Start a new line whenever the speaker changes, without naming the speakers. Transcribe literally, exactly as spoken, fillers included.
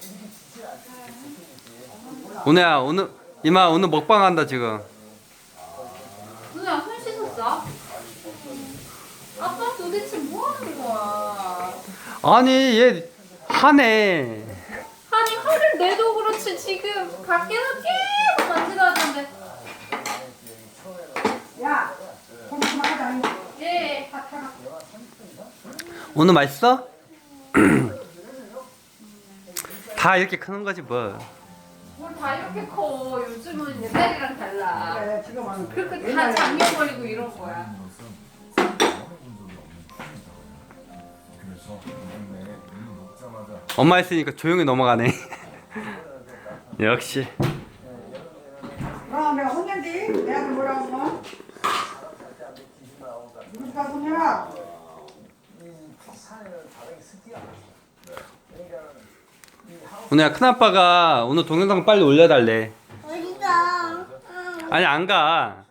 오늘야 오늘 이마 오늘 먹방 한다 지금.
누나 손 씻었어? 아빠 도대체 뭐 하는 거야?
아니 얘 하네.
아니 화를 내도 그렇지 지금 밖에서 계속 만지다던데.
야, 그만하자.
예.
오늘 맛있어? 다 이렇게 크는 거지 뭐.
뭘 다 이렇게 커. 요즘은 옛날이랑 달라.
그래, 지금은
그렇게 다 작년 버리고 이런 거야.
엄마 있으니까 조용히 넘어가네. 역시.
그럼 내가 혼낸디? 내가 뭐라고 뭐? 누구가 혼내라?
오늘야 큰아빠가 오늘 동영상 빨리 올려달래.
어디가?
아니 안 가.